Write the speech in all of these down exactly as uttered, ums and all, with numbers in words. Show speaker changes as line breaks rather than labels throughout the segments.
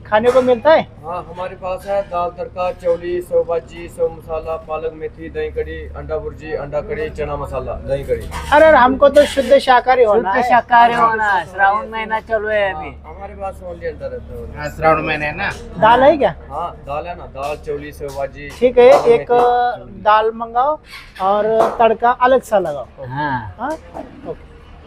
खाने को मिलता है?
हाँ, हमारे पास है दाल तड़का, चौली, सेव भाजी, सेव मसाला, पालक मेथी, दही कड़ी, अंडा भुर्जी, अंडा कड़ी, चना मसाला, दही कड़ी।
अरे अरे, हमको तो शुद्ध शाकाहारी होना
शुद्ध
है।
शाकाहारी होना। श्रावण महीना चालू है अभी।
हाँ, हमारे पास ओनली अंडा रहता है।
श्रावण महीने है ना।
दाल है क्या?
हाँ, दाल है ना, दाल चौली सेव भाजी।
ठीक है,
पालक
एक
मेथी,
दाल मंगाओ और तड़का अलग सा लगाओ।
हाँ
हाँ ओके।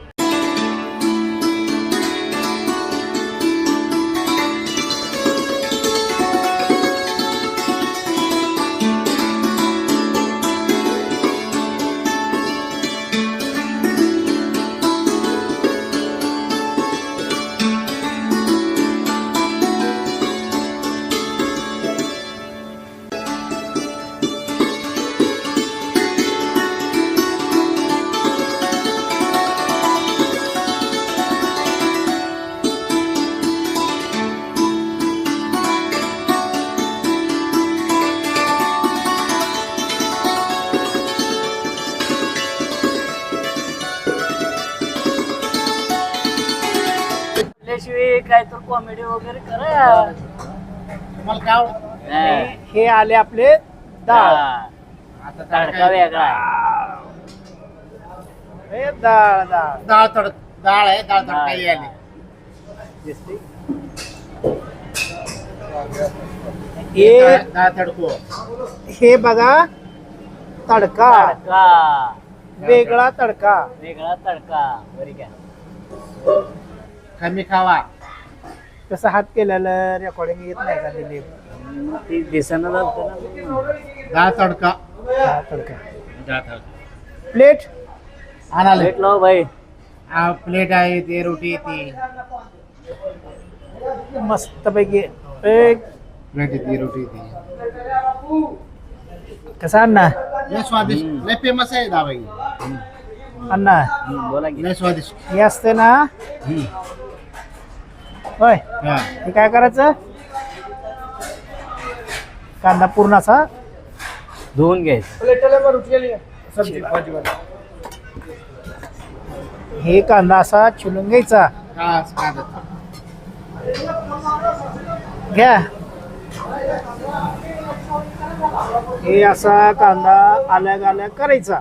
त्याशिवाय काय तर कॉमेडी वगैरे करा।
तुम्हाला काय आवडतं?
हा.
हे आले आपले डाळ।
आता
तडका वेगळा आहे.
हे डाळ डाळ
डाळ तडक डाळ आहे, डाळ तडका
डाळ.
ही आली.
दिसते? हे
डाळ तडको.
हे बघा तडका,
तडका
वेगळा तडका।
वेगळा तडका बरी काय
कमी खावा.
कसं हात केलेलं रेकॉर्डिंग येत नाही का दिलीप?
ती दिसणं जातं ना.
डाळ तडका.
हा, तडका
डाळ तडका.
प्लेट
आणाले.
भेटलो भाई.
हा, प्लेट आहे ते, रोटी ती
मस्त पैकी एक
प्लेट ती, रोटी ती
कसा अण्णा?
लय स्वादिष्ट, लय फेमस आहे दाबाई.
अण्णा
हम्म, बोला की.
लय स्वादिष्ट.
हे असते ना होय,
हा.
हे काय करायचं? कांदा पूर्ण असा
धुवून घ्यायचं.
सब्जी भाजी वाला।
हे कांदा असा चिरून घ्यायचा।
हा, कांदा.
घ्या, हे असा कांदा अलग अलग करायचा।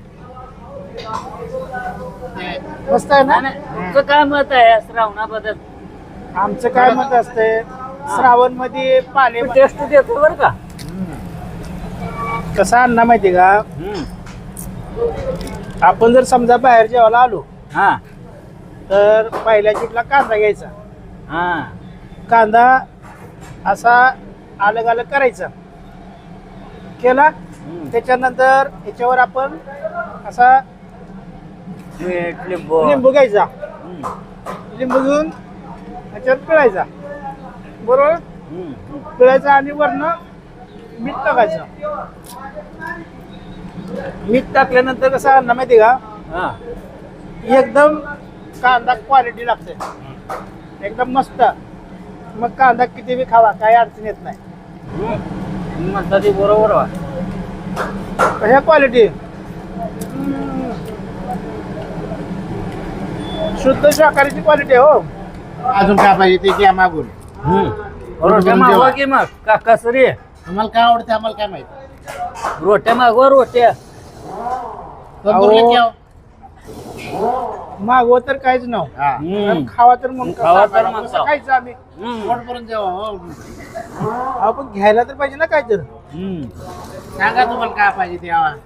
ते
मस्त आहे ना?
नाही, नाही. तुमचं काय मत आहे श्रावणाबद्दल?
आमचं काय मत असते, श्रावण मध्ये पाले
टेस्ट देतो बरं का.
कसा अण्णा माहिती का?
हम्म.
आपण जर समजा बाहेर जेवायला आलो
हा
तर पहिल्या चिटला कांदा घ्यायचा।
हा
कांदा असा अलग अलग करायचा, केला
हम्म.
त्याच्यानंतर याच्यावर आपण असा
मीठ लिंबू.
लिंबू घ्यायचा,
हम्म.
लिंबू घेऊन याच्यात पिळायचा, बरोबर?
हम्म.
पिळायचा आणि वरनं मीठ टाकायचं। मीठ टाकल्यानंतर कसं अन्न माहिती का,
हा
एकदम कांदा क्वालिटी लागते, एकदम मस्त। मग कांदा किती बी खावा, काही अडचण येत नाही।
तुम्ही म्हणता ते बरोबर वा.
कशा क्वालिटी शुद्ध शाकाहारीची क्वालिटी हो।
अजून काय पाहिजे ते घ्या मागून.
रोट्या मागवा की मग काका सरी.
तुम्हाला काय आवडते आम्हाला काय माहिती.
रोट्या मागवा रोट्या.
तंदूरला
अहो.
घ्या.
मागव तर काहीच नव्ह,
हा.
हम्म.
खावा तर मग
खावा तर
कसं
मग
कसं
खावा.
खायचं आम्ही?
हम्म.
पोट भरून जेवा. हो.
आपण घ्यायला तर पाहिजे ना काय तर।
हम्म.
सांगा तुम्हाला काय पाहिजे ते आवा.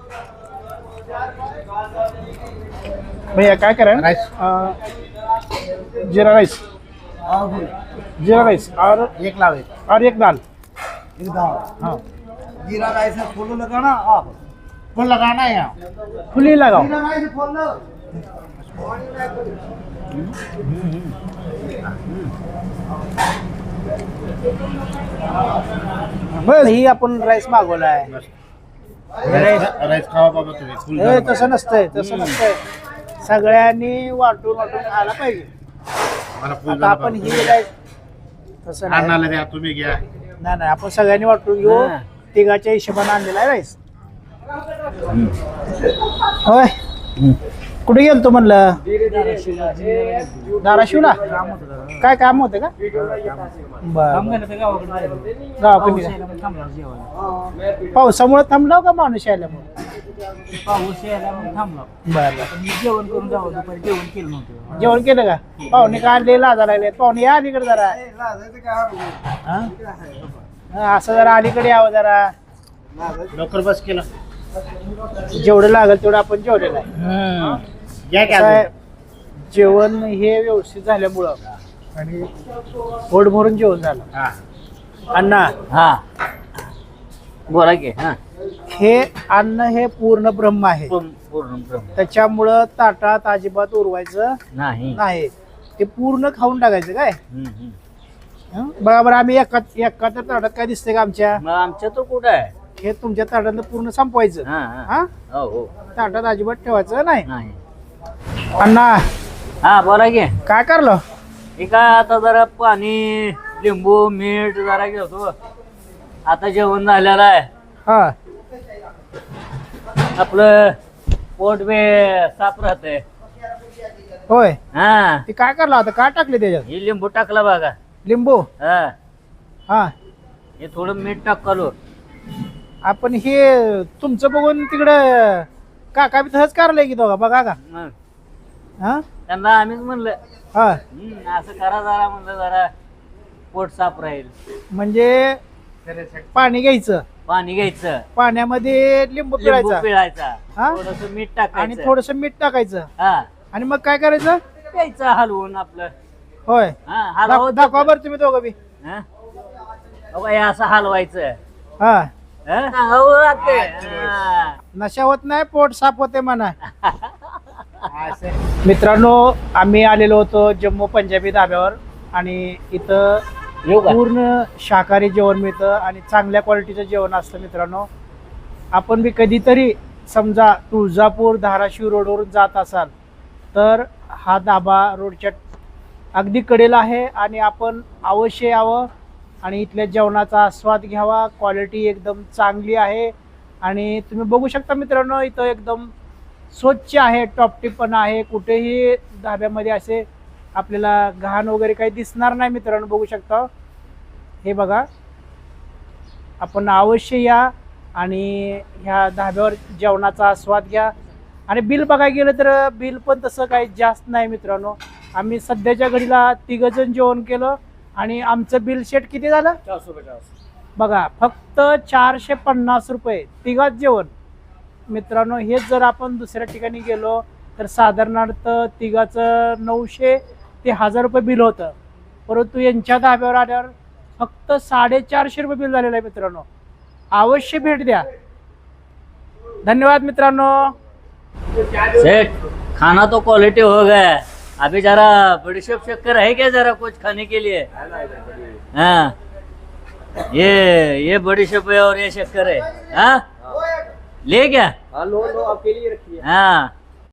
भैया काय करा,
राईस.
अं, जीरा राइस, जीरा राइस और
एक लावे.
और एक दाल।
हाँ.
जीरा राइस में फूल लगाना आप।
फुल लगाना है यहाँ.
फुली लगाओ। बस ही आपण राईस मागवला आहे।
राईस राईस खावा बाबा तुम्ही. फुल
हे
गरम.
तसं नसतंय, तसं नसतंय, सगळ्यांनी वाटून वाटून खायला पाहिजे।
मला फुल
आता
गरम
आपण
बाबा.
ही राईस तसं नाही,
अन्नाला द्या तुम्ही घ्या.
नाही नाही, आपण सगळ्यांनी वाटून घेऊ।
हा.
तिघाच्या हिशोबाने आणलेला आहे राईस होय। कुठे गेलतो म्हणलं धाराशिवला काय काम होतं का बर गावाकडे पावसामुळे थांबलो का माणूस यायल्यामुळे
पाऊस यायला मग थांबलो
बर
मी जेवण करून जावं दुपारी जेवण केलं नव्हतं
जेवण केलं का पाहुणे का आणले लाजा लागले पाहुणे या अलीकडे जरा हा? हा, असं जरा अलीकडे यावं जरा
लवकर बस केला
जेवढं लागेल तेवढं आपण जेवलेलं आहे
घ्या
कसं आहे, जेवण हे व्यवस्थित झाल्यामुळं आणि पोट भरून जेवण झालं
हा
अण्णा
हा बोला की हा
हे अन्न हे पूर्ण ब्रह्म आहे
पूर्ण पूर्ण ब्रह्म.
त्याच्यामुळं ताटात अजिबात उरवायचं
नाही
नाही ते पूर्ण खाऊन टाकायचं काय
हम्म, हम्म.
हं? बघा बरं आम्ही एका एका तर ताटात काय दिसतंय का आमच्या
मग आमच्या तो कुठं आहे
हे तुमच्या ताटातलं पूर्ण संपवायचं
हा हा
हा
हो हो
ताटात अजिबात ठेवायचं नाही
नाही
अण्णा
हा बोला की
काय करलो
हे काय आता जरा पाणी लिंबू मीठ जरा घेतो आता जेवण झालेलं आहे
हा
आपलं पोट बे साफ राहतंय
होय
हा
ते काय करलं आता काय टाकले त्याच्यात
हे लिंबू टाकला बघा
लिंबू
हा
हा
हे थोडं मीठ टाकलो
आपण हे तुमचं बघून तिकडं काका बी तसंच करलंय की दोघा बघा का
मग
हा
त्यांना आम्हीच म्हणलं
हा
हम्म, असं करा जरा म्हणलं जरा पोट साफ राहील
म्हणजे पाणी घ्यायचं
पाणी घ्यायचं
पाण्यामध्ये लिंबू
लिंबू
पिळायचा
पिळायचा
हा?
थोडस मीठ
आणि
टाकायचं
थोडस मीठ टाकायचं
हा
आणि मग काय करायचं
प्यायचं हलवून आपलं
होय
हा
दाख-
हलवत
दाखवा बरं तुम्ही दोघं बी
हा? बघा, हे असं हलवायचं
हा
हा? सांगावं लागतंय. हा.
नशा होत नाही पोट साफ होते म्हणा मित्रांनो आम्ही आलेलो होतो जम्मू पंजाबी धाब्यावर आणि इथं
येऊ का?
पूर्ण शाकाहारी जेवण मिळतं आणि चांगल्या क्वालिटीचं जेवण असतं मित्रांनो आपण बी कधीतरी समजा तुळजापूर धाराशिव रोडवरून जात असाल तर हा धाबा रोडच्या अगदी कडेला आहे आणि आपण अवश्य यावं आणि इथल्या जेवणाचा आस्वाद घ्यावा क्वालिटी एकदम चांगली आहे आणि तुम्ही बघू शकता मित्रांनो इथं एकदम स्वच्छ आहे टॉपटिपपणा आहे कुठेही धाब्यामध्ये असे आपल्याला घाण वगैरे काही दिसणार नाही मित्रांनो बघू शकता हे बघा आपण अवश्य या आणि ह्या धाब्यावर जेवणाचा आस्वाद घ्या आणि बिल बघायला गेलं तर बिल पण तसं काही जास्त नाही मित्रांनो आम्ही सध्याच्या घडीला तिघजण जेवण केलं आणि आमचं बिल शेट किती झालं
चारशे पचास
बघा फक्त चारशे पन्नास रुपये तिघात जेवण मित्रांनो हेच जर आपण दुसऱ्या ठिकाणी गेलो तर साधारणतः तिघाचं नऊशे ते हजार रुपये बिल होतं परंतु यांच्या धाब्यावर आल्यावर फक्त साडेचारशे रुपये बिल झालेलं आहे मित्रांनो अवश्य भेट द्या धन्यवाद मित्रांनो
सेठ खाना तो क्वालिटी हो गया अभी जरा बड़ीशेप शक्कर है क्या जरा कुछ खाने के लिए हाँ ये ये बड़ीशेप है और ये शक्कर है हाँ ले क्या
हाँ लो लो आपके लिए रखिए
हाँ